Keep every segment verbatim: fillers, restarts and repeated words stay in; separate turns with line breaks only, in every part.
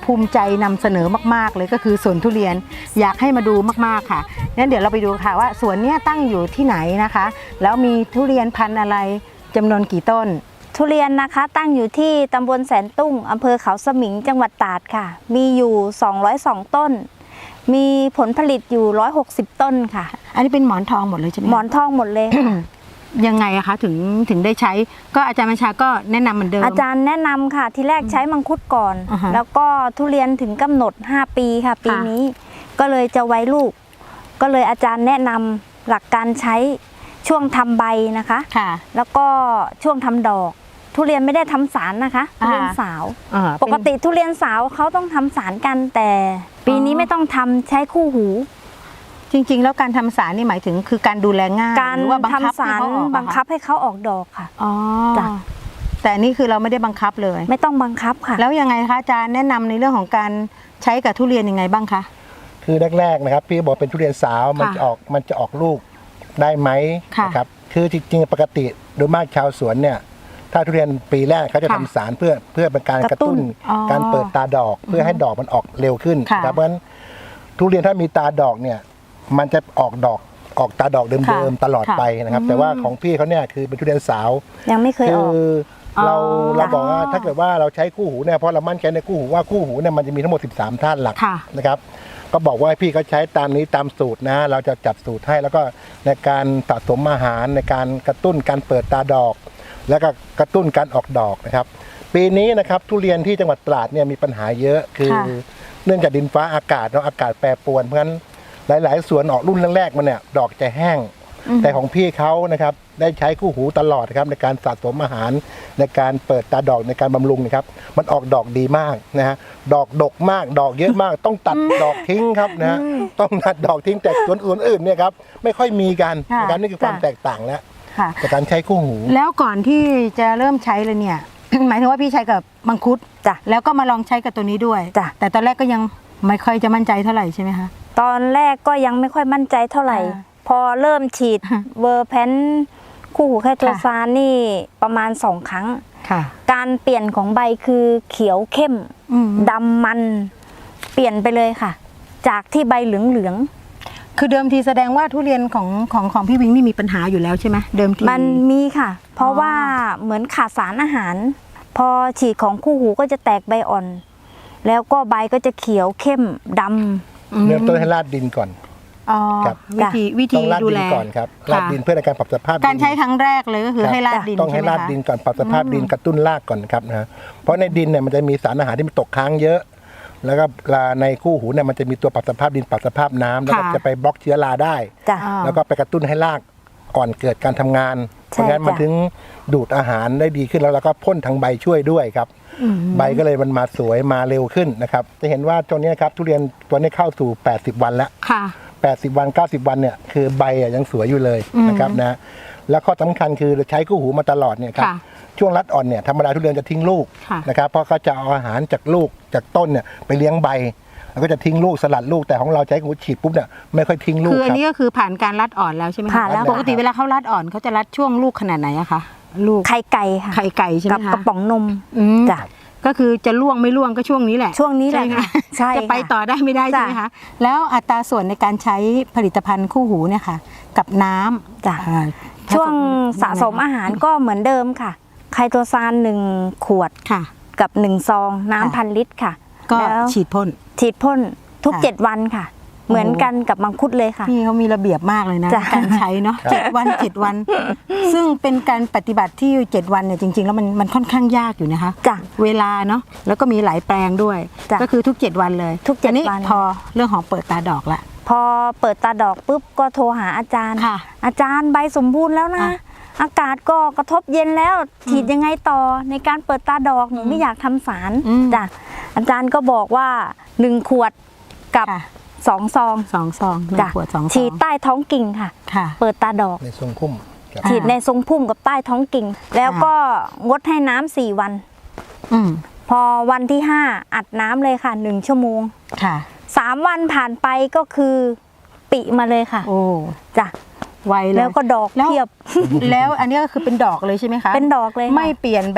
ภูมิใจนำเสนอมากๆเลยก็คือสวนทุเรียนอยากให้มาดูมากๆค่ะงั้นเดี๋ยวเราไปดูค่ะว่าสวนเนี้ยตั้งอยู่ที่ไหนนะคะแล้วมีทุเรียนพันธุ์อะไรจำนวนกี่ต้น
ทุเรียนนะคะตั้งอยู่ที่ตำบลแสนตุ้งอำเภอเขาสมิงจังหวัดตราดค่ะมีอยู่สองร้อยสองต้นมีผลผลิตอยู่หนึ่งร้อยหกสิบต้นค่ะ
อันนี้เป็นหมอนทองหมดเลยใช่ไหม
หมอนทองหมดเลย
ยังไงอะคะถึงถึงได้ใช้ก็อาจารย์บัญชาก็แนะนำเหมือนเดิม
อาจารย์แนะนำค่ะที่แรกใช้มังคุดก่อน
uh-huh.
แล้วก็ทุเรียนถึงกำหนดห้าปีค่ะปีนี้ก็เลยจะไว้ลูกก็เลยอาจารย์แนะนำหลักการใช้ช่วงทำใบนะคะแล้วก็ช่วงทำดอกทุเรียนไม่ได้ทำสารนะคะทุเรียนสาวปกติทุเรียนสาวเขาต้องทำสารกันแต่ปีนี้ไม่ต้องทำใช้คู่หู
จริงๆแล้วการทำสารนี่หมายถึงคือการดูแลง่าย
การทำสารบังคับให้เขาออกดอกค่ะ
อ๋อแต่นี่คือเราไม่ได้บังคับเลย
ไม่ต้องบังคับค่ะ
แล้วยังไงคะอาจารย์แนะนำในเรื่องของการใช้กับทุเรียนยังไงบ้างคะ
คือแรกๆนะครับพี่บอกเป็นทุเรียนสาวมันจะออกมันจะออกลูกได้ไหมนะครับคือจริงๆปกติโดยมากชาวสวนเนี่ยถ้าทุเรียนปีแรกเขาจะทำสารเพื่อเพื่อเป็นการกระตุ้นการเปิดตาดอกเพื่อให้ดอกมันออกเร็วขึ้นครับเพราะฉะนั้นทุเรียนถ้ามีตาดอกเนี่ยมันจะออกดอกออกตาดอกเดิมๆตลอดไปนะครับแต่ว่าของพี่เขาเนี่ยคือเป็นทุเรียนสาว
ยังไม่เคยออก
เราเราบอกว่าถ้าเกิดว่าเราใช้คู่หูเนี่ยเพราะเรามั่นใจในคู่หูว่าคู่หูเนี่ยมันจะมีทั้งหมดสิบสามธาตุหลักนะครับก็บอกว่าพี่เขาใช้ตามนี้ตามสูตรนะเราจะจัดสูตรให้แล้วก็ในการสะสมอาหารในการกระตุ้นการเปิดตาดอกแล้วก็กระตุ้นการออกดอกนะครับปีนี้นะครับทุเรียนที่จังหวัดตราดเนี่ยมีปัญหาเยอะคือเนื่องจากดินฟ้าอากาศเนาะอากาศแปรปรวนเพราะฉะนั้นหลายๆสวนออกรุ่นแรกๆมันเนี่ยดอกจะแห้งแต่ของพี่เขานะครับได้ใช้คู่หูตลอดนะครับในการสะสมอาหารในการเปิดตาดอกในการบำรุงนะครับมันออกดอกดีมากนะฮะดอกดกมากดอกเยอะมากต้องตัดดอกทิ้งครับนะฮะต้องตัดดอกทิ้งแต่สวนอื่นเนี่ยครับไม่ค่อยมีกันนะครับนี่คือความแตกต่างแล้วจากการใช้คู่หู
แล้วก่อนที่จะเริ่มใช้เลยเนี่ย หมายถึงว่าพี่ใช้กับมังคุด
จ้ะ
แล้วก็มาลองใช้กับตัวนี้ด้วยจ้ะแต่ตอนแรกก็ยังไม่ค่อยจะมั่นใจเท่าไหร่ใช่ไหมคะ
ตอนแรกก็ยังไม่ค่อยมั่นใจเท่าไหร่พอเริ่มฉีดเวอร์แพนคู่หูไคโตซานนี่ประมาณสองครั้งการเปลี่ยนของใบคือเขียวเข้มดำมันเปลี่ยนไปเลยค่ะจากที่ใบเหลืองๆ
คือเดิมทีแสดงว่าทุเรียนของของของพี่วิงนี่มีปัญหาอยู่แล้วใช่ไหมเดิมที
มันมีค่ะเพราะว่าเหมือนขาดสารอาหารพอฉีดของคู่หูก็จะแตกใบอ่อนแล้วก็ใบก็จะเขียวเข้มดำ
เริ่มต้นให้ราดดินก่อน
ครับวิธีวิธีดูแล
ก่อนครับราดดินเพื่อในการปรับสภาพ
การใช้ครั้งแรกเลยก็คือให้ราดดิน
ต้องให้ราดดินก่อนปรับสภาพดินกระตุ้นรากก่อนครับนะเพราะในดินเนี่ยมันจะมีสารอาหารที่มันตกค้างเยอะแล้วก็ในคู่หูเนี่ยมันจะมีตัวปรับสภาพดินปรับสภาพน้ำแล้วก็จะไปบล็อกเชื้อราได้แล้วก็ไปกระตุ้นให้รากก่อนเกิดการทำงานเพราะงั้นมันถึงดูดอาหารได้ดีขึ้นแล้วเราก็พ่นทางใบช่วยด้วยครับใบก็เลยมันมาสวยมาเร็วขึ้นนะครับจะเห็นว่าตัวนี้ครับทุเรียนตัวนี้เข้าสู่แปดสิบวันแล้วแปดสิบวันเก้าสิบวันเนี่ยคือใบยังสวยอยู่เลยนะครับนะแล้วข้อสำคัญคือใช้คู่หูมาตลอดเนี่ยครับช่วงรัดอ่อนเนี่ยธรรมดาทุเรียนจะทิ้งลูกนะครับเพราะเขาจะเอาอาหารจากลูกจากต้นเนี่ยไปเลี้ยงใบแล้วก็จะทิ้งลูกสลัดลูกแต่ของเราใช้คู่ฉีดปุ๊บเนี่ยไม่ค่อยทิ้งลูก
คืออันนี้ก็คือผ่านการรัดอ่อนแล้วใช่ไหมคะปกติเวลาเขารัดอ่อนเขาจะรัดช่วงลูกขนาดไหนอะคะลูก
ไข่ไก่ค่ะ
ไข่ไก่ใช่ไหมคะ
กับกระป๋องนมจ้ะ
ก็คือจะล่วงไม่ล่วงก็ช่วงนี้แหละ
ช่วงนี้แหละ
ใช่จะไปต่อได้ไม่ได้ใช่ไหมคะแล้วอัตราส่วนในการใช้ผลิตภัณฑ์คู่หูเนี่ยค่ะกับน้
ำจ้ะช่วงสะสมอาหารก็เหมือนเดิมค่ะไคโตซานหนึ่งขวดกับหนึ่งซองน้ำพันลิตรค่ะ
ก็ฉีดพ่น
ฉีดพ่นทุกเจ็ดวันค่ะเหมือนกันกับมังคุดเลยค่ะ
พี่เขามีระเบียบมากเลยนะการใช้เนาะเจ็ดวันเจ็ดวันซึ่งเป็นการปฏิบัติที่เจ็ดวันเนี่ยจริงๆแล้วมันมันค่อนข้างยากอยู่นะคะ
จ้ะ
เวลาเนาะแล้วก็มีหลายแปลงด้วยก็คือทุกเจ็ดวันเลย
ทุกเจ็ดวัน
พอเรื่องของเปิดตาดอกละ
พอเปิดตาดอกปุ๊บก็โทรหาอาจารย์อาจารย์ใบสมบูรณ์แล้วนะอากาศก็กระทบเย็นแล้วฉีดยังไงต่อในการเปิดตาดอกหนูไม่อยากทำสารจ้ะอาจารย์ก็บอกว่าหนึ่งขวดกับสองซอง
สองซองหนึ่งขวดสองซอง
ฉีดใต้ท้องกิ่งค่ะเปิดตาดอก
ในทรงพุ่ม
ฉีดในทรงพุ่มกับใต้ท้องกิ่งแล้วก็งดให้น้ำสี่วันพอวันที่ห้าอัดน้ำเลยค่ะหนึ่งชั่วโมงสามวันผ่านไปก็คือปิมาเลยค่ะ
โอ้
จ้ะ
ไวเลย
แล้วก็ดอกเพียบ
แล้วอันนี้ก็คือเป็นดอกเลยใช่ไหมคะ
เป็นดอกเลย
ไม่เปลี่ยนแบบ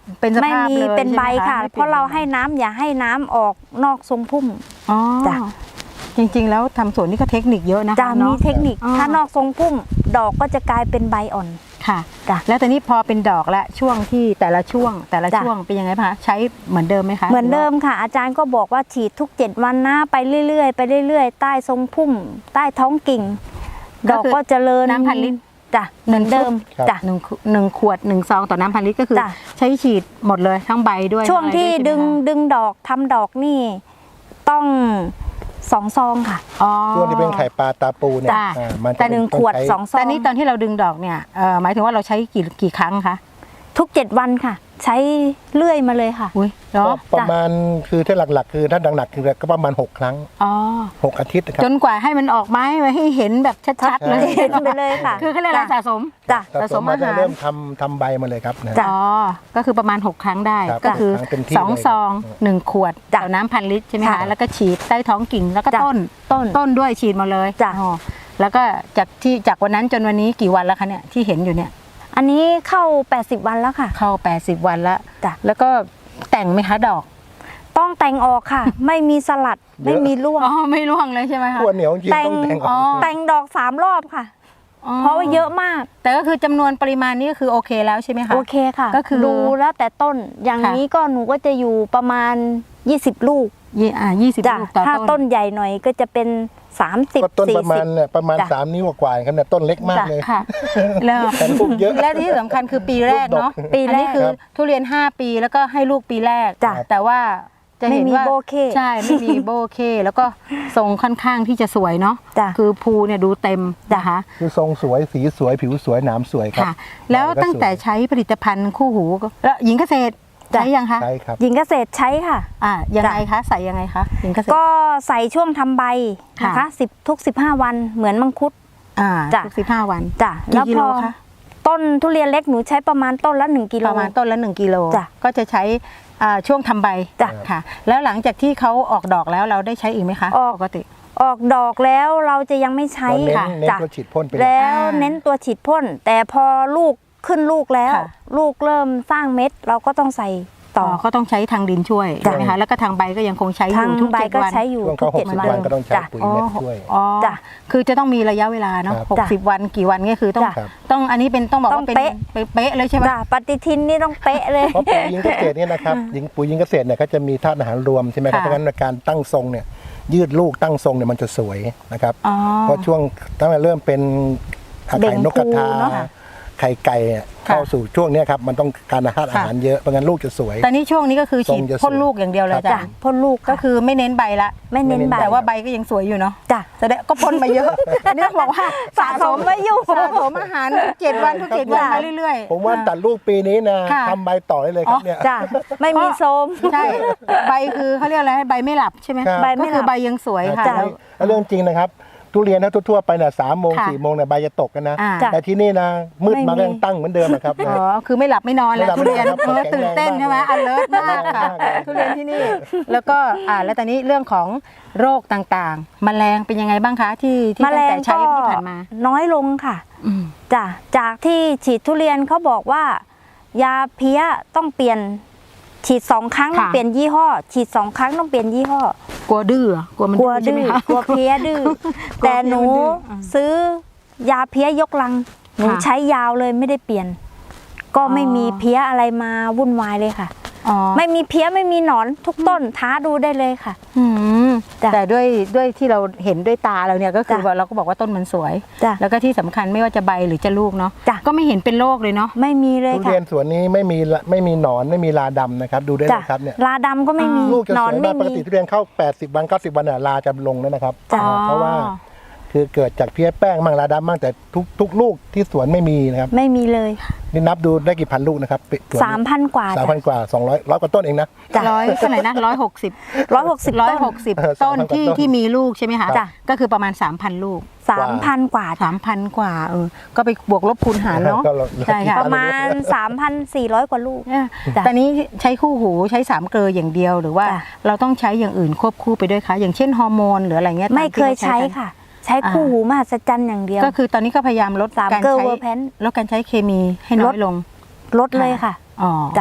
เป็นส
ไม่
ภาพ
มี
เลย
เป็นใบ
ช่ไหม
ค่ะ
ไม่
เพราะเรา
ปลี่ยน
ให้น้ำอย่าให้น้ำออกนอกทรงพุ่ม
อ๋อ
จ้ะ
จริงๆแล้วทำสวนนี่ก็เทคนิคเยอะนะคะ
จะมี
เนาะ
เทคนิค
อ๋อ
ถ้านอกทรงพุ่ม ดอกก็จะกลายเป็นใบอ่อน
ค่ะ
จ้ะ
แล้วตอนนี้พอเป็นดอกและช่วงที่แต่ละช่วงแต่ละ
จ้ะ
ช่วงเป็นยังไงคะใช้เหมือนเดิมไหมคะ
เหมือนเดิมค่ะ อาจารย์ก็บอกว่าฉีดทุกเจ็ดวันนะไปเรื่อยๆ ไปเรื่อยๆ ใต้ทรงพุ่ม ใต้ท้องกิ่ง ดอกก็เจริญ
น้ำพันลิตร
จ้ะเหมือนเดิม
ครับ
จ้ะ
หนึ่งหนึ่งขวดหนึ่งซองต่อน้ำพันลิตรก็คือ
จ้ะ
ใช้ฉีดหมดเลยทั้งใบด้วย
ช่วงที่
อะไร
ดึง
วยใช่ไหมคะ
ดึงดอกทำดอกนี่ต้องสองซองค่ะ
อ๋อ
ช่วงที่เป็นไข่ปลาตาปูเนี่ย
จ้ะ
อ่ามันจะ
แต่หนึ่ง
ต้อ
ขวด
ใช้
สองซอ
แต่
ง
นี้ตอนที่เราดึงดอกเนี่ยเอ่อหมายถึงว่าเราใช้กี่กี่ครั้งคะ
ทุกเจ็ดวันค่ะ ใช้เลื่อยมาเลยค่ะ
อุ้ยเหรอ
ก็ประมาณคือถ้าหลักๆ คือถ้าหนักๆคือก็ประมาณหกครั้ง
อ๋อ
หกอาทิตย์นะครับ
จนกว่าให้มันออกไม้ไว้ให้เห็นแบบชัดๆเลย
เห็นไปเลยค่ะ
คือเขาเรียกอะไร
จ้ะ
สะสม
จ้ะ
สะ
สะ
ส
ส
ม
ม
มา
อา
จะ
หาร
เริ่มทำทำใบมาเลยครับนะ
จ้ะ
อ๋อ ก็คือประมาณ หก ครั้งได้
ครับ
ก็คือ
หกครั้งเต็มที่
สอง
เลย
ซองหนึ่งขวด
จ้ะ
ต่อน้ำพันลิตรใช่ไหม
ค่ะ
คะ แล้วก็ฉีดใต้ท้องกิ่งแล้วก็
จ้ะ
ต้น
ต้น
ต้นด้วยฉีดหมาเลย
จ้ะ
อ๋อแล้วก็จากที่จากวันนั้นจนวันนี้กี่วันแล้วคะเนี่ยที่เห็นอยู่เนี่ย
อันนี้เข้าแปดสิบวันแล้วค่ะ
เข้าแปดสิบวันแล้ว
จ้ะ
แล้วก็แต่งไหมคะดอก
ต้องแต่งออกค่ะ ไม่มีสลัด
เยอะ
ไม่มีร่วง
อ๋อไม่ร่วงเลยใช่ไหมคะ
ขั้วเหนียวจริงๆต้องแต่งอ
อ๋
อ
อ
ก
แต่งดอกสามรอบค่ะ
อ๋อ
เพราะว่าเยอะมาก
แต่ก็คือจำนวนปริมาณนี้ก็คือโอเคแล้วใช่ไหมคะ
โอเคค่ะ
ก็คือ
ดูแล้วแต่ต้นอย่าง
ค่ะ
นี้ก็หนูก็จะอยู่ประมาณยี่สิบลูก
ยี่อ่ายี่สิบ
จ้ะ
ลูกต่อ
ถ้า
ต้
ต้
น
นใหญ่หน่อยก็จะเป็นสามสิบ
ก็ต้น
สี่
ประมา
สิ
ณ
บ
เนี่ยประมาณ
จ้ะ
สามนิ้วกว่าๆครับเนี่ยต้นเล็กมาก
จ้ะ
เลย
ค่ะแล้ว
แต่ลูกเยอะ
และที่สำคัญคือปีแรกเนาะ
ปีแรก
อันนี้คือ
ครับ
ทุเรียนห้าปีแล้วก็ให้ลูกปีแรก
จ้ะ
แต่ว่าจะเห็น
ไม่มี
ว่า
โบเค
ใช่ไม่มีโบเค แล้วก็ทรงค่อนข้างที่จะสวยเนาะ
จ้ะ
คือภูเนี่ยดูเต็มนะคะ
คือทรงสวยสีสวยผิวสวยหนามสวยครับ
ค่ะ แล้วตั้งแต่ใช้ผลิตภัณฑ์คู่หูก็แล้วหญิงเกษตร
จ้ะ
ใช้ยังคะ
ใช่ครับ
หญิงเกษตรใช้ค่ะ
อ่ายังไงคะใส่ยังไงคะหญิงเกษตร
ก็ใส่ช่วงทำใบนะ
ค่ะ
คะสิบทุกสิบห้าวันเหมือนมังคุด
อ่า
จ้ะ
ทุกสิบห้าวัน
จ้ะ
กี่
แล้ว
กิ
พ
โล
อ
คะ
ต้นทุเรียนเล็กหนูใช้ประมาณต้นละหนึ่งกิโล
ประมาณต้นละหนึ่งกิโล
จ้ะ
ก็จะใช้อ่าช่วงทำใบ
จ้ะ
ค่ะ แล้วหลังจากที่เขาออกดอกแล้วเราได้ใช้อีกไหมคะ
ออก
ปกติ
ออกดอกแล้วเราจะยังไม่ใช้
เราเน้น
ค่ะ
เน้น
จ้ะ
ตัวฉีดพ่นไปเลย
แล้ว
อ่า
เน้นตัวฉีดพ่นแต่พอลูกขึ้นลูกแล้ว
ค่ะ
ลูกเริ่มสร้างเม็ด เราก็ต้องใส่ต่
ต่
อ
อก็ต้องใช้ทางดินช่วย
จ้ะ
ใช่ไหมคะแล้วก็ทางใบก็ยังคงใช้อ
ทาง
ยู่ทุก
ใบ
เจ็ด
ก็
วัน
ใช้อยู่
ช่วง
ทุ
เขา
ก
ห
เจ็
ก
ด
สิบ
วัน
วันก็ต้องใช้
จ้ะ
ปุ๋ย
อ๋อ
เม็ดช่วย
อ๋อ
จ้ะ
คือจะต้องมีระยะเวลาเนาะ
ครับ
หกสิบวันกี่วันก็คือต้อง
จ้ะ
ต้องอันนี้เป็นต้องบอก
ต้อ
ว่าง เป็น
เป๊ะ
เป๊ะเลยใช่ไหม
จ้ะปฏิทินนี่ต้องเป๊ะเลย
เพราะปุ๋ยยิงเกษตรเนี่ยนะครับยิงปุ๋ยยิงเกษตรเนี่ยเขาจะมีธาตุอาหารรวมใช่ไหมครับ
ค่ะ
เพราะฉะนั้นในการตั้งทรงเนี่ยยืดลูกตั้งทรงเนี่ยมันจะสวยนะครับ
อ๋อ
เพราะช่วงตั้งแต่เริ่มเป็น
เบ่
ไข่
ง
นกกระทา
ภูเนอะ
ไข่ไก่เนี่ยเข้าสู่ช่วงเนี้ยครับมันต้องการธาตุอาหารเยอะเพราะงั้นลูกจะสวย
แต่นี่ช่วงนี้ก็คือฉีด
ทรงจะสวย
พ่นลูกอย่างเดียวเลย
ครับ
จ้ะ
จ้ะพ่นลูก
ก็
ค่ะ
คือไม่เน้นใบละ
ไม่เน้นใบ
แต่ว่าใบก็ยังสวยอยู่เนาะ
จ้ะ
แสดงก็พ่นมาเยอะ อันนี้ต้องบอกว่า
สะสมไว้อยู่
สะสมอาหารทุกเจ็ดวันทุกเจ็ดวันมาเรื่อยๆ
ผมว่าตัดลูกปีนี้นะ
ค่ะ
ทำใบต่อได้เลยครับเนี่ย
จ้ะไม่มีโซม
ใช่ใบคือเขาเรียกอะไรใบไม่หลับใช่ไหม
ครับ
ใบ
ก็
ไม่หลับ
คือใบยังสวยค่ะ
ใช่
แล้ว
แล้วเรื่องจริงนะครับทุเรียนถ้าทั่วๆไปเนี่ยสามโมง
ค่ะ
สี่โมงเนี่ยใบจะตกกันนะ
อ่า
จ้ะ
แต่ที่นี่นะมืดมา
ไม่มี
ก็ยังตั้งเหมือนเดิมนะครับ
อ๋อคือไม่หลับไม่นอนแล้ว
ไม่หลับ
ทุเรียน
ไม่นอนครับ
เออตื่นเต้นใช่ไหม
แข็งแรง
alert มากค่ะ
มากเลย
ทุเรียนที่นี่ แล้วก็อ่าแล้วตอนนี้เรื่องของโรคต่างๆ แมลงเป็นยังไงบ้างคะที่ที่
แม
ตั้
ล
ง
ง
แต่ใช้
ก็
ที่ผ่านมา
น้อยลงค่ะ
อืม
จ้ะจากที่ฉีดทุเรียนเขาบอกว่า ยาเพี้ยต้องเปลี่ยนฉีดสองครั้งต้องเปลี่ยนยี่ห้อ ฉีดสองครั้งต้องเปลี่ยนยี่ห้อก
ลัวดื้อเหรอกลัวมัน
กลัว
ใช่
ดื้
ไหม
อ
คะ
กลัวเพี้ยดื้อ
กลัว
แต่หนู
เพี้ยมันดื้ออ่า
ซื้อยาเพี้ยยกลัง หนู
ค่ะ
ใช้ยาวเลยไม่ได้เปลี่ยน ก็ไม่มีเพี้ยอะไรมาวุ่นวายเลยค่ะ
อ๋อ
ไม่มีเพี้ยไม่มีหนอนทุกต้นท้าดูได้เลยค่ะ
อืม
จ้ะ
แต่ด้วยด้วยที่เราเห็นด้วยตาเราเนี่ยก็คือ
จ้ะ
ว่าเราก็บอกว่าต้นมันสวย
จ้ะ
แล้วก็ที่สำคัญไม่ว่าจะใบหรือจะลูกเนาะ
จ้ะ
ก็ไม่เห็นเป็นโรคเลยเนาะ
ไม่มีเลย
ทุ
ค่ะ
เรียนสวนนี้ไม่มีละไม่มีหนอนไม่มีลาดำนะครับดูได้เล
จ้ะ
ยครับเนี่ย
ลาดำก็ไม่มี
ลูกจะ
หน
ส
อ
วน ย
ไม่
มากปก
มี
ติทุเรียนเข้าแปดสิบวันเก้าสิบวันน่ะลาจะลงแล้วนะครับ
จ้ะ
อ่าเพราะว่าคือเกิดจากเพี้ยแป้งมั่งลาดำมั่งแต่ทุกทุกลูกที่สวนไม่มีนะครับ
ไม่มีเลย
นี่นับดูได้กี่พันลูกนะครับสวน
สามพันกว่า
สาม
จ้ะ
พันกว่าสองร้อยร้อยกว่าต้นเองนะ
จ้ะ
ร้อยเท่าไหร่นะร้อยหกสิบ
ร้อยหกสิบ
ร้อย
ต้น
หกสิบ
เออ
ต้น
สามพันกว่า
ที่
ต้น
ที่มีลูกใช่ไหมคะ
จ้ะ
ก็คือประมาณ สามพัน ลูก
สามพันกว่าจ้ะ
สามพัน กว่าเออก็ไปบวกลบคูณหารเนาะ
ก็ลด
ใช่ค่ะ
ประมาณ สามพันสี่ร้อย กว่าลูก
เนี่ย
จ้ะ
ตอนนี้ใช้คู่หูใช้สามเกลืออย่างเดียวหรือว่า
จ้ะ
เราต้องใช้อย่างอื่นควบคู่ไปด้วยคะอย่างเช่นฮอร์โมนหรืออะไรเงี้ย
ไม่
ตา
เค
ที่
ย
รา
ใช้
กัน
ค่ะ ใช้คู่หูมหัศจรรย์อย่างเดียว
ก็คือตอนนี้ก็พยายามลด
สาม
การ
เกลือ
ใช้
เวอร์แพน
ลดการใช้เคมีให้น้อยลง
ลดเลยค่ะ
อ๋อ
จ้ะ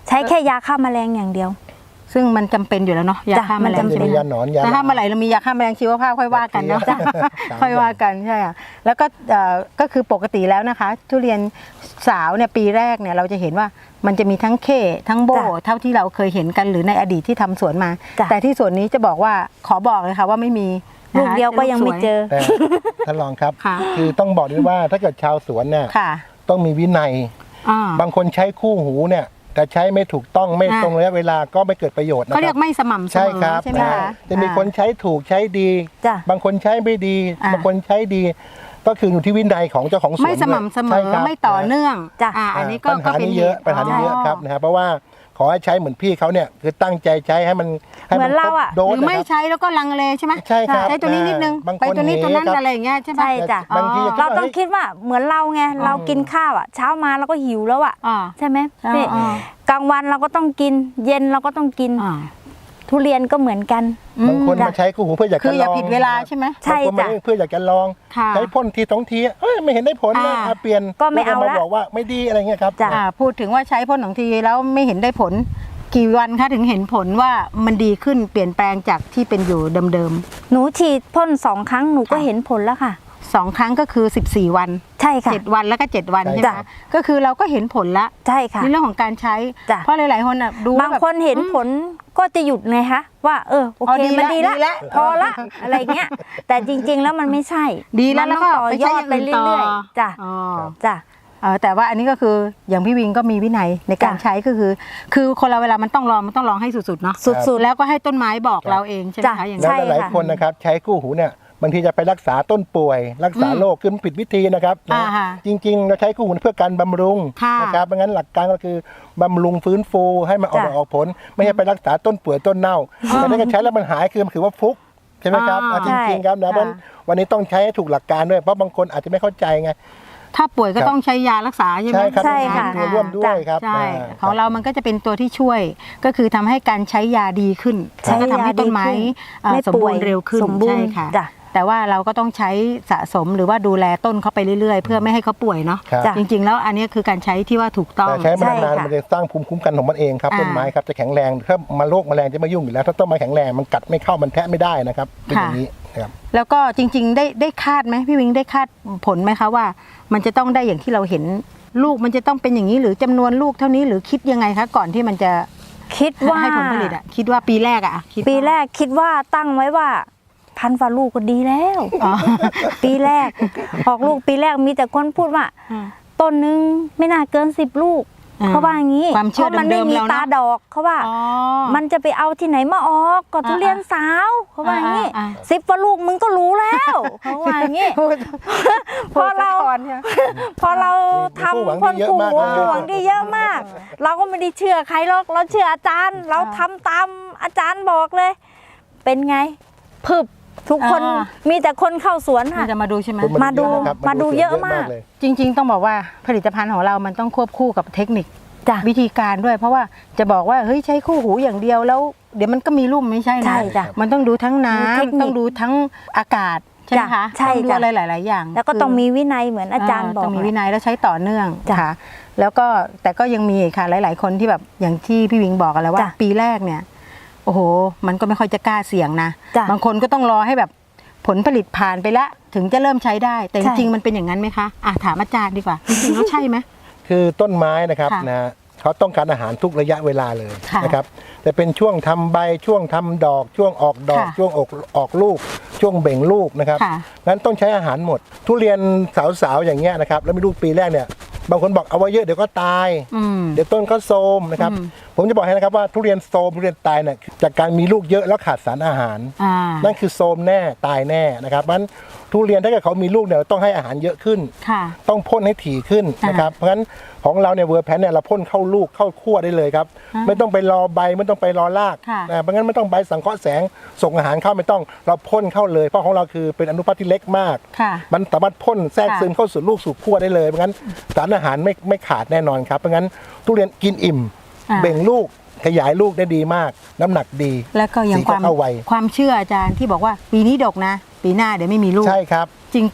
ใช้แค่ยาฆ่าแมลงอย่างเดียว
ซึ่งมันจำเป็นอยู่แล้วเนาะยา
จ้ะ
ฆ่าแมล
มัน
ง
จำเป็น
จะมียาหนอนยา
แต่ถ้าเมื่อไหร่เรามียาฆ่าแมลงชีวภาพค่อยว่ากันเนาะ
จ้ะ
ค่อยว่ากันใช่ค่ะแล้วก็เอ่อก็คือปกติแล้วนะคะ ทุเรียนสาวเนี่ยปีแรกเนี่ยเราจะเห็นว่ามันจะมีทั้งเคทั้งโบ
จ้ะ
เท่าที่เราเคยเห็นกันหรือในอดีตที่ทำสวนมา
จ้ะ
แต่ที่สวนนี้จะบอกว่าขอบอกเลยค่ะว่าไม่มีนะคะ
ลูกเดียวก็ยังไม่เจอ
แต่ท่านรองครับ
ค่ะ
คือต้องบอกด้วยว่าถ้าเกิดชาวสวนเนี่ย
ค่ะ
ต้องมีวินัย
อ่า
บางคนใช้คู่หูเนี่ยแต่ใช้ไม่ถูกต้องไม่
อ่า
ตรงระยะเวลาก็ไม่เกิดประโยชน์นะค
เขาเรีย
รั
กไม่สม่ำเส
ใช่
ม
ค
อ
รับ
ใช่ไหม
นะ
คะ
จะมีคนใช้ถูกใช้ดี
จ้ะ
บางคนใช้ไม่ดี
อ่า
บางคนใช้ดี ก็คืออยู่ที่วินัยของเจ้าของสวน
ไม่สม่ำเสม
ใช่
อ
ครับ
ไม่ต่อเนื่อง
จ้ะ
อ่าอันนี้ก็
ปัญหา
ก็เป็น
นี้เยอะปัญหานี้เยอะครับนะฮะเพราะว่าขอให้ใช้เหมือนพี่เขาเนี่ยคือตั้งใจใช้ให้มันให้
เหมือนเราอะ
โด
ห
ส
รือไม่
นะครับ
ใช้แล้วก็ลังเลใช่ไหม
ใช่ครับ
ใช้ตัวนี้นิดนึง
บางคน
ไปตัวนี้ตัวนั้น
หนีครับ
อะไรอย่างเงี้ยใช่ไหม
ใช่จ้ะ
บางที
อ๋อ
เราต้องคิดว่าเหมือนเราไงเรากินข้าวอ่ะ เช้ามาเราก็หิวแล้วอ่ะ
อ่า
ใช่ไหม
อ่า
พี่
อ่า
กลางวันเราก็ต้องกิน เย็นเราก็ต้องกิน
อ่า
ทุเรียนก็เหมือนกัน
บางคนมาใช้คู่หูเพื่ออยาก
คื
จะ
อ
ล
อย่า
อง
ผิดเวลาใช่ไหม
ใช่
บางคนมา
จ้ะ
เพื่ออยากจะลอง
ค่ะ
ใช้พ่นทีสองทีเอ้ยไม่เห็นได้ผลนะ
อ่า
อ่ะเปลี่ยน
ก็ไม่เอา
แล้ว
ละ
มาบอกว่าไม่ดีอะไรเงี้ยครับ
จ้ะ
อ่าพูดถึงว่าใช้พ่นของทีแล้วไม่เห็นได้ผล กี่วันคะถึงเห็นผลว่ามันดีขึ้นเปลี่ยนแปลงจากที่เป็นอยู่เดิม
หนูฉีดพ่นสองครั้งหนูก็เห็นผลแล้วค่ะ
ๆสองครั้งก็คือสิบสี่วัน
ใช่ค่ะ
เจ็ดวันแล้วก็เจ็ดวัน
ใช่
ใช่ไหม
จ้ะ
คะก็คือเราก็เห็นผลละ
ใช่ค่ะ
ในเรื่องของการใช้
จ้ะ
เพราะหลายๆคนอ่ะดู
บางคนเห็นผลก็จะหยุดไงคะว่าเออโอ
อ๋อ
เค
ดี
มัน
ละ
ดี
ดีละ
ละพอละอะไรเงี้ย แต่จริง ๆ แล้วมันไม่ใช่
ดีแล้ว
มัน
แล้ว
ต้
ก็
องต่อ
ไป
ย
ใช้
อ
อ
ด
ย่าง
ไป
อื่นต่อ
เรื่อยๆจ้ะ
อ๋อ
จ้ะ
เออแต่ว่าอันนี้ก็คืออย่างพี่วิงก็มีวินัยในการ
จ้ะ
ใช้ก็คือ คือคนเราเวลามันต้องลองมันต้องลองให้สุดๆเนาะ
สุดๆ
แล้วก็ให้ต้นไม้บอกเราเองใช่ไหม
จ้ะ
คะอย่าง
แล้
นั้
วน หลาย
ค่ะ
ๆคนนะครับใช้คู่หูเนี่ยบางทีจะไปรักษาต้นป่วย รักษา
อืม
โรคคือมันผิดวิธีนะครับ
อ่า
นะ
ฮะ
จริง ๆ เราใช้คู่หูเพื่อการบำรุง
ค่ะ
นะครับเพราะงั้นหลักการก็คือบำรุงฟื้นฟูให้มันออก
จ้ะ
ดอกออกผล ไม่ใช่ไปรักษาต้นป่วยต้นเน่าแต่ถ้าเกิดใช้แล้วมันหายคือมันถือว่าฟลุกใช่ไหมครับ
อ่า
อ่ะจริงๆครับนะเพราะฉะนั้นวันนี้ต้องใช้ให้ถูกหลักการด้วยเพราะบางคนอาจจะไม่เข้าใจไง
ถ้าป่วยก็
ครับ
ต้องใช้ยารักษาใช่ไหม
ใช่ครับ
ใช่ค่ะ
มีตัวร่วมด้วยครับ
ใช่
อ่า
ของเรามันก็จะเป็นตัวที่ช่วย ก็คือทำให้การใช้ยาดีขึ้น
ใช้
แล้วก็ทำให้ต้นไม้
ยาดีขึ้น
เอ่อ
ไม่
สม
ป่
บู
วย
รณ์เร็วขึ้น
สมบูรณ์
ใช่ค่ะ
จ้ะ
แต่ว่าเราก็ต้องใช้สะสมหรือว่าดูแลต้นเขาไปเรื่อยๆ เพื่อไม่ให้เขาป่วยเนาะ
ครับ
จ้ะ
จริงๆ แล้วอันนี้คือการใช้ที่ว่าถูกต้อง
แต่ใช้มา
ใช่
นานๆ
ค่ะ
มันจะสร้างภูมิคุ้มกันของมันเองครับ
อ่า
ต้นไม้ครับจะแข็งแรงถ้ามาโรคแมลงจะไม่ยุ่งอยู่แล้ว ถ้าต้นไม้แข็งแรงมันกัดไม่เข้ามันแทะไม่ได้นะครับเป็นอย่างนี้นะครับ
แล้วก็จริงๆ ได้ได้คาดไหมพี่วิงได้คาดผลไหมคะว่า มันจะต้องได้อย่างที่เราเห็นลูกมันจะต้องเป็นอย่างนี้หรือจำนวนลูกเท่านี้หรือคิดยังไงคะก่อนที่มันจะ
คิดว่า
ให้ผลผลิตอะคิดว่าปีแรกอะคิดว่า
ปีแรกคิดว่าตั้งไว้ว่า พันฝ่าลูกก็ดีแล้ว
อ๋อ
ปีแรก ออกลูกปีแรกมีแต่คนพูดว่า
อืม
ต้นนึงไม่น่าเกินสิบลูก
อ่า
เขาว่าอย่างนี้
ความเชื่อ
เพราะมันไม่
เดิมๆ
มี
เรานะ
ตาดอกเขาว่า
อ๋อ
มันจะไปเอาที่ไหนมาออกก็ทุเรียนสาวเขาว่าอย่างนี้
อ่าอ่า
สิบฝ่าลูกมึงก็รู้แล้วเขาว่าอย่างนี้
พูด
พอเรา
พูดสะท้อนใช่ไหม
พอเราทำ
มี
พ่
ผู้
น
หวังดีเยอะ
ผู
มาก
ผู้หวังดีเยอะมาก เราก็ไม่ได้เชื่อใครหรอกเราเชื่ออาจารย์ เราทำตามอาจารย์บอกเลย เป็นไงพึบทุกคน
อ่า
มีแต่คนเข้าสวน
มัน
ค่ะ
จะมาดูใช่ไหม
คน
มาดู
เยอะนะครับ
มาดูเยอะมาก
เลย
จริง ๆ ต้องบอกว่าผลิตภัณฑ์ของเรามันต้องควบคู่กับเทคนิค
จ้ะ
วิธีการด้วย เพราะว่าจะบอกว่าเฮ้ยใช้คู่หูอย่างเดียวแล้ว เดี๋ยวมันก็มีรุ่มไม่ใช่
ใช่
นะ
จ้ะ
มันต้องดูทั้ง
มีเทคนิค
น้ำต้องดูทั้งอากาศใช่ไหมคะ
จ้ะใช่
ต้องดู
จ้ะ
อะไรหลาย ๆ อย่าง
แล้วก็
คือ
ต้องมีวินัยเหมือนอาจารย์บอก
ต้องมี
แหละ
วินัยแล้วใช้ต่อเนื่อง
จ้ะ
ค่ะ แล้วก็แต่ก็ยังมีอีกค่ะหลาย ๆ คนที่แบบอย่างที่พี่วิงบอกกันแล้วว่า
จ้ะ
ปีแรกเนี่ยโอ้โห มันก็ไม่ค่อยจะกล้าเสี่ยงนะ
จ้ะ
บางคนก็ต้องรอให้แบบผลผลิตผ่านไปแล้วถึงจะเริ่มใช้ได้ แต่จ
ใช่
ริง ๆ มันเป็นอย่างนั้นไหมคะอ่ะถามอาจารย์ดีกว่าจริงๆแล้วใช่ไหม
คือต้นไม้นะครับ
ค่ะ
นะเขาต้องการอาหารทุกระยะเวลาเลย
ค่ะ
นะครับแต่เป็นช่วงทำใบช่วงทำดอก ช่วงออกดอก
ค่ะ
ช่วงออกออกลูก ช่วงเบ่งลูกนะครับ
ค่ะ
งั้นต้องใช้อาหารหมด ทุเรียนสาวๆอย่างเงี้ยนะครับแล้วมีลูกปีแรกเนี่ยบางคนบอกเอาไว้เยอะเดี๋ยวก็ตาย
อืม
เดี๋ยวต้นก็โทรมนะครับ
อืม
ผมจะบอกให้นะครับว่าทุเรียนโทรมทุเรียนตายเนี่ยจากการมีลูกเยอะแล้วขาดสารอาหาร
อ่า
นั่นคือโทรมแน่ตายแน่นะครับเพราะฉะนั้นทุเรียนถ้าเกิดเขามีลูกเนี่ยเราต้องให้อาหารเยอะขึ้น
ค่ะ
ต้องพ่นให้ถี่ขึ้นนะครับเพราะฉะนั้นของเราเนี่ยเวอร์แพนเนี่ยเราพ่นเข้าลูกเข้าขั้วได้เลยครับ
อ่า
ไม่ต้องไปรอใบไม่ต้องไปรอราก
ค่ะ
นะเพราะงั้นไม่ต้องใบสังเคราะห์แสงส่งอาหารเข้าไม่ต้องเราพ่นเข้าเลยเพราะของเราคือเป็นอนุภาคที่เล็กมาก
ค่ะ
มันสามารถพ่นแทรก
ค่ะ
ซึมเข้าสู่ลูกสู่ขั้วได้เลยเพราะงั้นสารอาหารไม่ไม่ขาดแน่นอนครับเพราะงั้นทุเรียนกินอิ่ม
อ่า
เบ่งลูกขยายลูกได้ดีมาก น้ำหนักดี
แล้วก็อย่าง
สี
ความ
เข้าไว
ความเชื่ออาจารย์ที่บอกว่าปีนี้ดกนะ ปีหน้าเดี๋ยวไม่มีลูก
ใช่ครับ
จริงปะ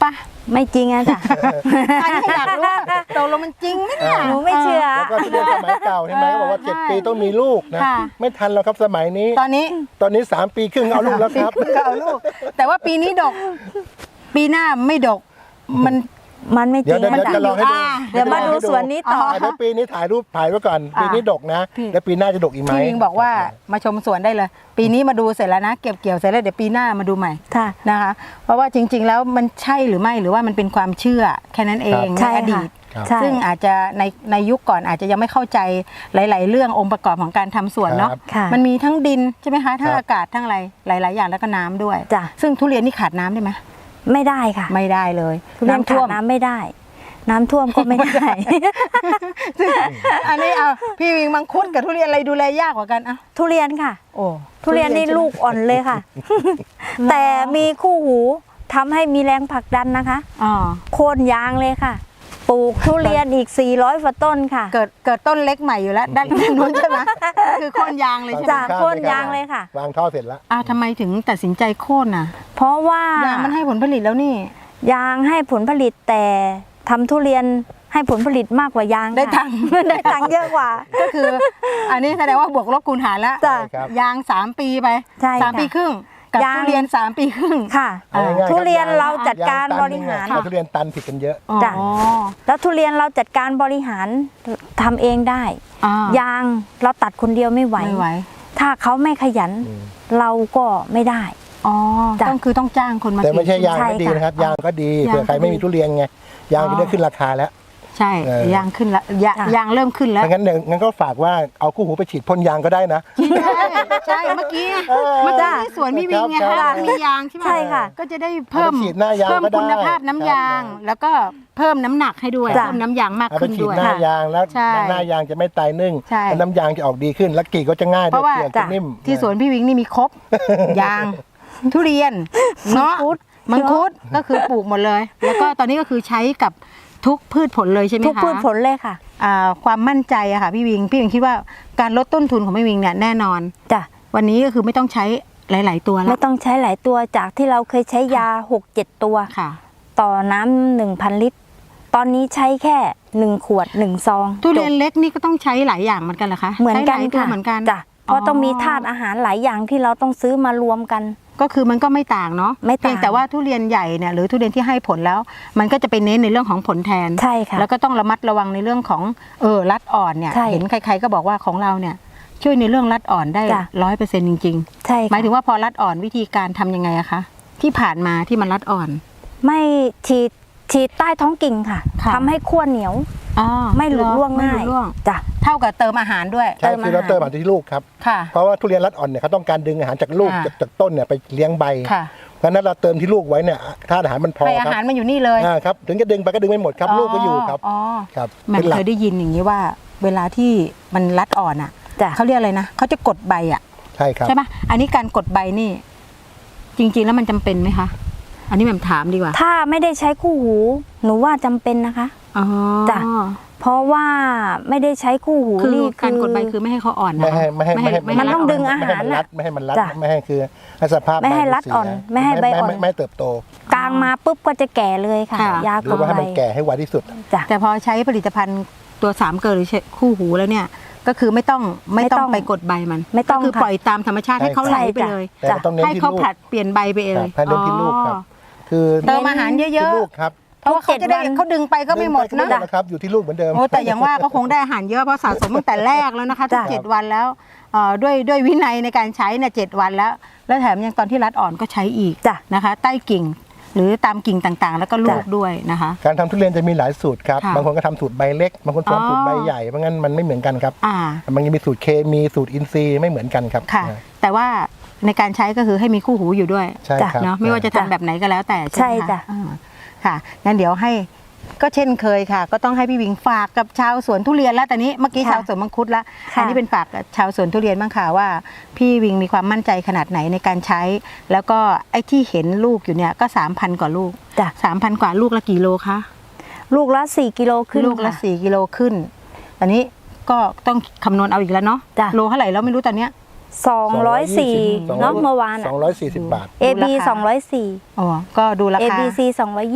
ไม่จริงอะจ้ะ
อันนี้อยากรู้ว่าตกลงมันจริงไหมเนี่ย
หนูไม่เชื่อ
แล้วก็ทุเรียนสมัยเก่าใช่ไหมเขาบอกว่าเจ็ดปีต้องมีลูกนะ
ค่ะ
ไม่ทันแล้วครับสมัยนี้
ตอนนี้
ตอนนี้สามปีครึ่งเอาลูกแล้วครับ
ปีก็เอาลูก แต่ว่าปีนี้ดก ปีหน้าไม่ดกมัน
มันไม่จ
เดี๋ย
ริ
ว
ง
เดี๋ยว
อะ
เดี๋ยว
จ้ะ
จะลองให้ดู
อ่า
เดี๋ยวมาดูสวนนี้ต่อ
อ่าเดี๋ยวปีนี้ถ่ายรูปถ่ายไว้ก่อน ปีนี้ดกนะ
พี่
แล้วปีหน้าจะดกอีกไหม
พี่วิงบอกว่ามาชมสวนได้เลย ปีนี้มาดูเสร็จแล้วนะเก็บเกี่ยวเสร็จแล้วเดี๋ยวปีหน้ามาดูใหม่
ค่ะ
นะคะ เพราะว่าจริง ๆ แล้วมันใช่หรือไม่หรือว่ามันเป็นความเชื่อแค่นั้นเอง
ใช่
ในอ
ค่ะ
ดีต
ครับ
ใช่
ซึ่งอาจจะในในยุคก่อนอาจจะยังไม่เข้าใจหลาย ๆ เรื่ององค์ประกอบของการทำสวนเนาะ
ครับ
ค่ะ
มันมีทั้งดินใช่ไหมคะทั้ง
ครับ
อากาศทั้งอะไรหลาย ๆ อย่างแล้วก็น้ำด้วย
จ้ะ
ซึ่งทุเรียนนี่ขาดน้ำได้ไหม
ไม่ได้ค่ะ
ไม่ได้เลย
ทุเรียน
ท่
ขาว ด
ม
น้ำไม่ได้ น้ำท่วมก็ไม่ได้
ซึ่งอันนี้เอาพี่วิงมังคุดกับทุเรียนอะไรดูแลยากกว่ากันอ่ะ
ทุเรียนค่ะ
โอ้
ทุเรียนนี่
ใช่ไหม
ลูกอ่อนเลยค่ะ แต่มีคู่หูทำให้มีแรงผลักดันนะคะ
อ๋อ
โค่นยางเลยค่ะ ปลูกทุเรียนอีกสี่ร้อยกว่าต้นค่ะ
เกิดเกิดต้นเล็กใหม่อยู่แล้ว ด้านนู้นใช่ไหมคือโค่นยางเลยใช่ไหม
จ้ะ โค่นยางเลยค่ะ
วางท่อเสร็จแล้ว
อ้าวทำไมถึงตัดสินใจโค่นน่ะ
เพราะว่าย
างมันให้ผลผลิตแล้วนี่
ยางให้ผลผลิตแต่ทำทุเรียนให้ผลผลิตมากกว่ายางค่ะ
ได้ตังค์
ได้ตังค์เยอะกว่า
ก็คือ อันนี้แสดงว่าบวกลบคูณหารแล้ว
จ้ะ
ครับ
ยางสามปีไป
ใช่
สาม
ค่ะ
ปีครึ่งกับ
ยาง
ทุเรียนสามปีครึ่ง
ค่ะ
เอาง่ายๆ
ทุเรียน
คบ
เราจัดการ
ยงตัน
บริหาร
หนึ่งอะทุเรียนตันผิดกันเยอะ
อ๋อ
จ้ะ แล้วทุเรียนเราจัดการบริหารทำเองได้
อ่าย
างเราตัดคนเดียวไม่ไหว
ไม่ไหว
ถ้าเขาไม่ขยัน
อืม
เราก็ไม่ได้
อ๋อ
จ้ะ
ต้องคือต้องจ้างคนมา
แต่ไม่ใช่
กรีด
ยาง
ใช่
ก็ดี
ค่ะ
นะครับ ยางก็ดี
ยาง
เผื่อใครไม่มีทุเรียนไงยาง
อ๋อ
จะได้ขึ้นราคาแล้ว
ใช่
เออ
ยางขึ้นแล้วยา
จ้ะ
ยางเริ่มขึ้นแล้ว
งั้นเนี่ยงั้นก็ฝากว่าเอาคู่หูไปฉีดพ่นยางก็ได้นะ
ใช่ใช่เมื่อกี้
เออ
เมื่อกี้ที่สวนพี่วิงไง
ครับ
คะมียางใช่ไหม
ใช่ค่ะ
ก็จะได้เพิ่ม
เอาไปฉีดหน้ายาง
เพิ่ม
ก็ได้
คุณภาพน้ำยาง
ครับ
แล้วก็เพิ่มน้ำหนักให้ด้วย
จ้ะ
เพิ่มน้ำยางมาก
เอาไป
ขึ้น
ฉีด
ด้วย
หน้ายางแล้ว
ใช่
หน้ายางจะไม่ตายนึ่ง
ใช่
แล้วน้ำยางจะออกดีขึ้น แล้วกรีดก็จะง่าย
เพ
ด้วย
ราะว่า
เปลือกจะนิ่ม
ที่สวนพี่วิงนี่มีครบ ยาง ทุเรียนเงาะ
มังคุด
มังคุดก็คือปลูกหมดเลย แล้วก็ตอนนี้ก็คือใช้กับทุกพืชผลเลยใช่ไหมคะ
ทุกพืชผลเลยค่ะ
อ่าความมั่นใจอะค่ะพี่วิงพี่วิงคิดว่าการลดต้นทุนของพี่วิงเนี่ยแน่นอน
จ้ะ
วันนี้ก็คือไม่ต้องใช้หลาย ๆ ตัวแล้
ไม่
ว
ต้องใช้หลายตัวจากที่เราเคยใช้ยาหกเจ็ดตัว
ค่ะ
ต่อน้ำหนึ่งพันลิตร ตอนนี้ใช้แค่หนึ่งขวดหนึ่งซอง
ทุเรียน
จบ
เล็กนี่ก็ต้องใช้หลายอย่างเหมือนกันเหรอคะ
เหมือนกัน
ใช้หลายตัว
ค่ะ
เหมือนกัน
จ้ะเพราะต้องมีธาตุอาหารหลายอย่างที่เราต้องซื้อมารวมกัน
ก็คือมันก็ไม่ต่างเนาะ
ไม่ต่าง
เพียงแต่ว่าทุเรียนใหญ่เนี่ยหรือทุเรียนที่ให้ผลแล้ว มันก็จะไปเน้นในเรื่องของผลแทน
ใช่ค่ะ
แล้วก็ต้องระมัดระวังในเรื่องของเออรัดอ่อนเนี่ย
ใช่
เห็นใครๆก็บอกว่าของเราเนี่ยช่วยในเรื่องรัดอ่อนได้
จ้ะ
ร้อยเปอร์เซ็นต์จริง
ใช่
ๆ หมายถึงว่าพอรัดอ่อนวิธีการทำยังไงอะคะที่ผ่านมาที่มันรัดอ่อน
ไม่ฉีดฉีดใต้ท้องกิ่งค่ะ
ค่ะ
ทำให้ขั้วเหนียว
อ๋อ
ไม่หลุดร่วง
ไม่
ง่า
หลุ
ย
ดร่วง
จ้ะ
เท่ากับเติมอาหารด้วย
ใช่
เติม
คือเรา
อาหาร
เติมอาหารที่ลูกครับ
ค่ะ
เพราะว่าทุเรียนรัดอ่อนเนี่ยเขาต้องการดึงอาหารจากลูก
อ่า
จากจากต้นเนี่ยไปเลี้ยงใบ
ค่ะ
เพราะฉะนั้นเราเติมที่ลูกไว้เนี่ยธาตุอาหารมันพอ
ให้อา
ครับ
หารมันอยู่นี่เลย
อ่าครับถึงจะดึงไปก็ดึงไม่หมดครับลูกก็อยู่ครับ
อ๋อ
ครับ
แมัน
เป็นหลั
เค
ก
ยได้ยินอย่างนี้ว่า เวลาที่มันรัดอ่อนอ่ะ
จ้ะ
เขาเรียกอะไรนะเขาจะกดใบอ่ะ
ใช่ครับ
ใช่ปะอันนี้การกดใบนี่ จริง ๆ แล้วมันจำเป็นไหมคะ อันนี้แหม่มถามดีกว่า
ถ้าไม่ได้ใช้คู่หู หนูว่าจำเป็นนะคะ
อ๋อ
จ้ะ เพราะว่าไม่ได้ใช้คู่หู
คือ
นี่
การกดใบคือไม่ให้เขาอ่อนนะ
ไม่ให้ไม่ให้ไม่ให้
ไม่
มัน
ให้
ต้อง
รั
ดึง
น
อาหาร
ไม่ให้มันรัดไม่ให้มันรัด
จ้ะ
ไม่ให้คือให้สภาพ
ไม่ให้
ใบ
รัดอ่อน
เสีย
ไม่ให้ใบอ่อน
ไม่ไม่เติบโต
กลางมาปุ๊บก็จะแก่เลยค่ะ
ค่ะ
ยา
ห
ก
รือ
ด
ว่าให้
ใบ
มันแก่ให้ไวที่สุด
จ้ะ
แต่พอใช้ผลิตภัณฑ์ตัวสามเกลือหรือคู่หูแล้วเนี่ย ก็คือไม่ต้องไม่
ไม่ต้
ต้อ
อง ง
ไปกดใบมัน
ไม่ต้อง
ก็คือ
ค่ะ
ปล่อยตามธรรมชาติให้เขาไหลไปเลย
แต่ก็ต้องเน้น
ให้
ที่
เขา
ลูก
ผลัดเปลี่ยนใบไปเอ
ครั
ง
บให้เน้นที่ลูกครับ คือ
เติมอาหารเย
ที่
อะ
ลูกครับ
ๆเพราะว่าเขาจะได้
ทุกเจ็ดวัน
เขาดึงไปก็ไม่หมด
เดินปก็
นะ
นะครับอยู่ที่ลูกเหมือนเดิม
โอ้แต่อย่างว่าก็คงได้อาหารเยอะเพราะสะสมตั้งแต่แรกแล้วนะคะทุก
จ้ะ
เจ็ดวันแล้วเอ่อด้วยด้วยวินัยในการใช้เนี่ยเจ็ดวันแล้ว แล้วแถมยังตอนที่รัดอ่อนก็ใช้อีก
จ้ะ
นะคะ ใต้กิ่ง หรือตามกิ่งต่างๆ แล้วก็ลูก
จ้ะ
ด้วยนะคะ
การทำทุเรียนจะมีหลายสูตรครับ
ค่ะ
บางคนก็ทำสูตรใบเล็ก บางคน
อ๋อ
ทำสูตรใบใหญ่ เพราะงั้นมันไม่เหมือนกันครับ
อ่า
มันยังมีสูตรเคมีสูตรอินทรีย์ไม่เหมือนกันครับ
ค่ะ
นะ
แต่ว่าในการใช้ก็คือให้มีคู่หูอยู่ด้วย
ใช่ครับ
เนาะไม่ว่าจะทำแบบไหนก็แล้วแต่ใช่
ใช่
ไหม
จ้ะ
คะอ่าค่ะงั้นเดี๋ยวให้ก็เช่นเคยค่ะ ก็ต้องให้พี่วิงฝากกับชาวสวนทุเรียนแล้วแต่นี้เมื่อกี้
ค่ะ
ชาวสวนมังคุดแล้ว
ค่ะ
อันนี้เป็นฝากกับชาวสวนทุเรียนบ้างค่ะว่า พี่วิงมีความมั่นใจขนาดไหนในการใช้ แล้วก็ไอ้ที่เห็นลูกอยู่เนี่ยก็สามพันกว่าลูก
จ้ะ
สามพันกว่าลูกละกี่โลคะ
ลูกละสี่กิโลขึ้น
ลูกละ
ค่
สี่กิโลขึ้นตอนนี้ก็ต้องคำนวณเอาอีกแล้วเนาะ
จ้ะ
โลเท่าไหร่แล้วไม่รู้ตอนเนี้ย
สองร้อยสี่เนาะเมื่อวาน
สองร้อยสี่สิบบาท
เอ บี
ดูราคา
สองร้อยสี่
อ๋อก็ดูรา
เอ
คา
บีซีสองร้อยยี่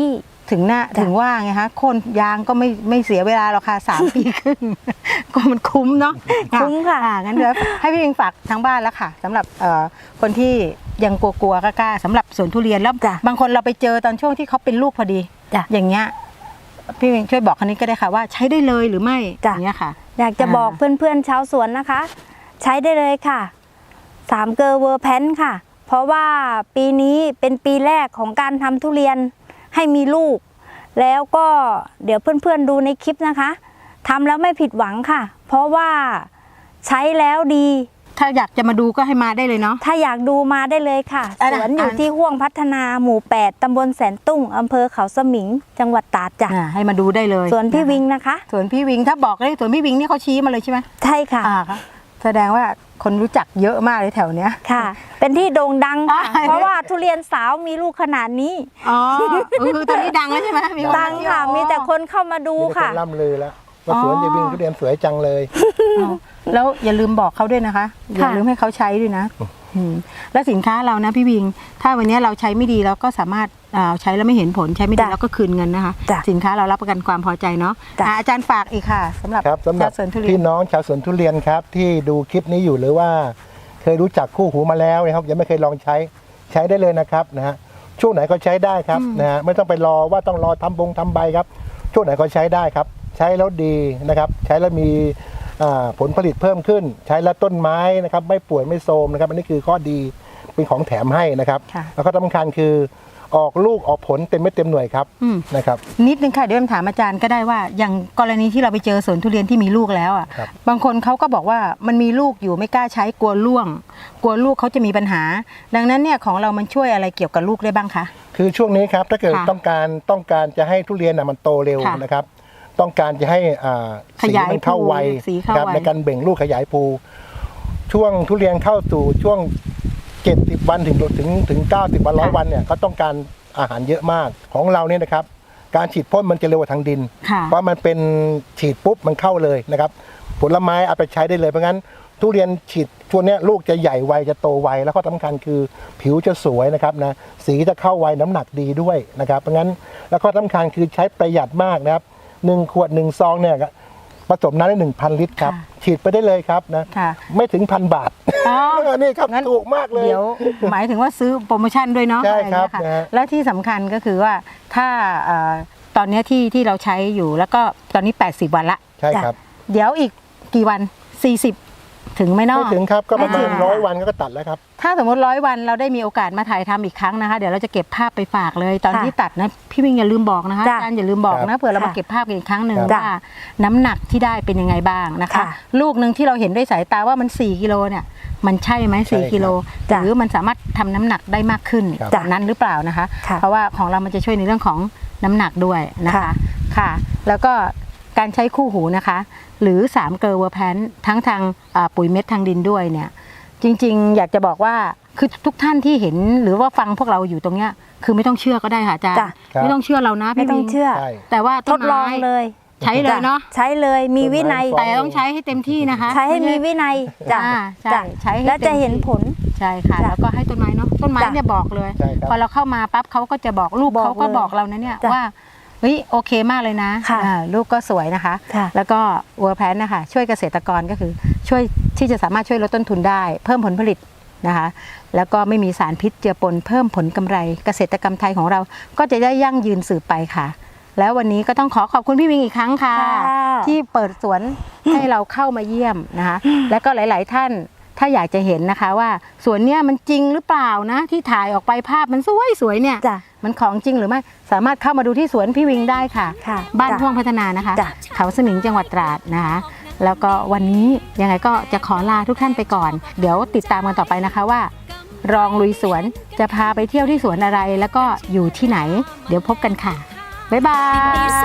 ถึงหน้าถึงว่าไงคะโคนยางก็ไม่ไม่เสียเวลาหรอกค่ะสาม ปีครึ่ง ก็มันคุ้มเนาะ
คุ้มค่ะ
อ่างั้นเดี๋ยวให้พี่วิงฝากทางบ้านแล้วค่ะสำหรับเอ่อคนที่ยังกลัวๆกล้าๆสำหรับสวนทุเรียนแล้ว
จ้ะ
บางคนเราไปเจอตอนช่วงที่เขาเป็นลูกพอดี
จ้ะ
อย่างเงี้ยพี่วิงช่วยบอกคนนี้ก็ได้ค่ะว่าใช้ได้เลยหรือไม่
จ้ะ
อย่างเงี้ยค่ะ
อยากจะบอกเพื่อนๆชาวสวนนะคะ ใช้ได้เลยค่ะสามเกลอเวอร์แพนค่ะ เพราะว่าปีนี้เป็นปีแรกของการทำทุเรียนให้มีลูก แล้วก็เดี๋ยวเพื่อนๆดูในคลิปนะคะทำแล้วไม่ผิดหวังค่ะ เพราะว่าใช้แล้วดี
ถ้าอยากจะมาดูก็ให้มาได้เลยเนาะ
ถ้าอยากดูมาได้เลยค่ะ
อ่ะ
สวนอยู่
อ่ะ
ที่ห่วงพัฒนาหมู่แปดตำบลแสนตุ้งอำเภอเขาสมิง จังหวัดตราดจ้ะ
อ่าให้มาดูได้เลย
สวนพี่
นะคะ
วิงนะคะ
สวนพี่วิงถ้าบอกเลยสวนพี่วิงนี่เขาชี้มาเลยใช่ไหม
ใช่ค่ะ
อ่าครับแสดงว่าคนรู้จักเยอะมากเลยแถวเนี้ย
ค่ะ เป็นที่โด่งดังค่ะ
อ่า
เพราะว่าทุเรียนสาวมีลูกขนาดนี้
อ๋อคือตอนนี้ดังแล้วใช่ไหมมีน
ดังค่ะ
อ๋อ
มีแต่คนเข้ามาดู
มีแต่ค
ค่ะ
นล่ำลือแล้วว่า
อ๋อ
สวนยายวิ่งทุเรียนสวยจังเลย
อ๋อแล้วอย่าลืมบอกเขาด้วยนะคะ อย่าลืมให้เขาใช้ด้วยนะอืมแล้วสินค้าเรานะพี่วิง ถ้าวันนี้เราใช้ไม่ดีเราก็สามารถอ่าใช้แล้วไม่เห็นผลใช้ไม่ดี
จ้ะ
แล้วก็คืนเงินนะคะ
จ้ะ
สินค้าเรารับประกันความพอใจเนาะ
จ้ะ
อ่าอาจารย์ฝากอีกค่ะสำหรับ
ครับสำหรับ
ชาวสวนทุเรีย
พี่
น
น้องชาวสวนทุเรียนครับที่ดูคลิปนี้อยู่หรือว่า เคยรู้จักคู่หูมาแล้วนะครับยังไม่เคยลองใช้ใช้ได้เลยนะครับนะฮะช่วงไหนก็ใช้ได้ครับนะฮะไม่ต้องไปรอว่าต้องรอทำบงทำใบครับช่วงไหนก็ใช้ได้ครับ ใช้แล้วดีนะครับ ใช้แล้วมีอ่าผลผลิตเพิ่มขึ้น ใช้แล้วต้นไม้นะครับไม่ป่วยไม่โทรมนะครับอันนี้คือข้อดีเป็นของแถมให้นะครับ
ค่ะ
แล้วก็สำคัญคือออกลูกออกผลเต็มเม็ดเต็มหน่วยครับ
อืม
นะครับ
นิดนึงค่ะเดี๋ยวถามอาจารย์ก็ได้ว่าอย่างกรณีที่เราไปเจอสวนทุเรียนที่มีลูกแล้วอ่ะ
ครับ
บางคนเขาก็บอกว่ามันมีลูกอยู่ไม่กล้าใช้กลัวร่วง กลัวลูกเขาจะมีปัญหา ดังนั้นเนี่ยของเรามันช่วยอะไรเกี่ยวกับลูกได้บ้างคะ
คือช่วงนี้ครับถ้าเกิด
ค่ะ
ต้องการต้องการจะให้ทุเรียนน่ะมันโตเร็ว
ค่ะ
นะครับ ต้องการจะให้อ่า
ขยาย
สีมันเข้า
ภู
ไว
สีเข้า
ครับ
ไว
ในการเบ่งลูกขยายภูช่วงทุเรียนเข้าสู่ช่วงเจ็ดสิบวันถึงถึงถึงเก้าสิบวันร้อยวันเนี่ยก็ต้องการอาหารเยอะมากของเราเนี่ยนะครับ การฉีดพ่นมันจะเร็วกว่าทางดิน
ค่ะ
เพราะมันเป็นฉีดปุ๊บมันเข้าเลยนะครับ ผลไม้เอาไปใช้ได้เลยเพราะงั้นทุเรียนฉีดช่วงเนี้ยลูกจะใหญ่ไวจะโตไวแล้วก็สำคัญคือผิวจะสวยนะครับนะสีจะเข้าไวน้ำหนักดีด้วยนะครับเพราะงั้นแล้วก็สำคัญคือใช้ประหยัดมากนะครับหนึ่งขวดหนึ่งซองเนี่ยผสมน้ำได้หนึ่งพันลิตรครับ
ค่ะ
ฉีดไปได้เลยครับนะ
ค่ะ
ไม่ถึงพันบาท
อ๋อ
นี่ครับ
งั้น
ถูกมากเลย
เดี๋ยวหมายถึงว่าซื้อโปรโมชั่นด้วยเนาะ
ใช่ครับ
อะไอย่าง
นะ
เงี้ย
ฮะ
ค่ะและที่สำคัญก็คือว่าถ้าเอ่อตอนเนี้ยที่ที่เราใช้อยู่แล้วก็ตอนนี้แปดสิบวันละ
ใช่ครับ
เดี๋ยวอีกกี่วันสี่สิบถึงไหมเนาะ
ไม่ถึงครับก็ประมา
ไม่ถึ
ณ
ง
ร้อยวันก็ตัดแล้วครับ
ถ้าสมมติร้อยวันเราได้มีโอกาสมาถ่ายทำอีกครั้งนะคะ เดี๋ยวเราจะเก็บภาพไปฝากเลยตอน
ค่ะ
ที่ตัดนะพี่วิ่งอย่าลืมบอกนะคะ
จ้ะ
อาจารย์อย่าลืมบอก
ครั
นะ
บ
เผื่อเรามา
ค่ะ
เก็บภาพกันอีกครั้งหนึ่ง
ครับ
ว่าน้ำหนักที่ได้เป็นยังไงบ้างนะคะ
ค่ะ
ลูกหนึ่งที่เราเห็นด้วยสายตาว่ามันสี่กิโลเนี่ยมันใช่ไหมสี่
ใช่ครับ
กิโล
จ้ะ
หรือมันสามารถทำน้ำหนักได้มากขึ้น
ครับ
จากนั้นหรือเปล่านะคะ
ค่ะ
เพราะว่าของเรามันจะช่วยในเรื่องของน้ำหนักด้วยนะคะ
ค่ะ
ค่ะ แล้วก็การใช้คู่หูนะคะ หรือสามเกลอเวอร์แพนทั้งทางอ่าปุ๋ยเม็ดทางดินด้วยเนี่ย จริงๆ อยากจะบอกว่าคือทุกท่านที่เห็นหรือว่าฟังพวกเราอยู่ตรงเนี้ยคือไม่ต้องเชื่อก็ได้ค่ะอาจารย์
จ้ะ
ครับ
ไม่ต้องเชื่อเรานะ
ไม่
พี่
ต้อง
วิง
เชื่อ
ใช่
แต่ว่า
ทดลองเลย
ใช้เลยเนาะ
ใช้เลยมีวินัย
ต้นไม้
แต่ต้องใช้ให้เต็มที่นะคะ
ใช้ให้มีวินัยจ้ะ
อ่าใช่
จ้ะ
ใช้ให้
แล้ว
ต็
จะ
มที่
เห็นผล
ใช่ค่ะ
จ้ะ
แล้วก็ให้ต้นไม้เนาะต้นไม้
จ้ะ
เนี่ยบอกเลย
ใช่ครับ
พอเราเข้ามาปั๊บเขาก็จะบอกลูก
บอก
เขาก็
เลย
บอกเรานะเนี่ย
จ้ะ
ว่าเฮ้ยโอเคมากเลยนะ
ค่ะ
อ่าลูกก็สวยนะคะ
ค่ะ
แล้วก็เวอร์แพนนะคะช่วยเกษตรกรก็คือช่วยที่จะสามารถช่วยลดต้นทุนได้ เพิ่มผลผลิตนะคะ แล้วก็ไม่มีสารพิษเจือปนเพิ่มผลกำไร เกษตรกรรมไทยของเราก็จะได้ยั่งยืนสืบไปค่ะ แล้ววันนี้ก็ต้องขอขอบคุณพี่วิงอีกครั้งค่ะ
ค่ะ
ที่เปิดสวนให้เราเข้ามาเยี่ยมนะคะ แล้วก็หลาย ๆ ท่านถ้าอยากจะเห็นนะคะว่าสวนเนี้ยมันจริงหรือเปล่านะที่ถ่ายออกไปภาพมันสวยสวยๆเนี่ย
จ้ะ
มันของจริงหรือไม่สามารถเข้ามาดูที่สวนพี่วิงได้ค่ะ
ค่ะ
บ้าน
จ้ะ
พ่วงพัฒนานะคะ
จ้ะ
เขาสมิงจังหวัดตราดนะคะ แล้วก็วันนี้ยังไงก็จะขอลาทุกท่านไปก่อน เดี๋ยวติดตามกันต่อไปนะคะว่า รองลุยสวนจะพาไปเที่ยวที่สวนอะไร แล้วก็อยู่ที่ไหน เดี๋ยวพบกันค่ะบ๊ายบาย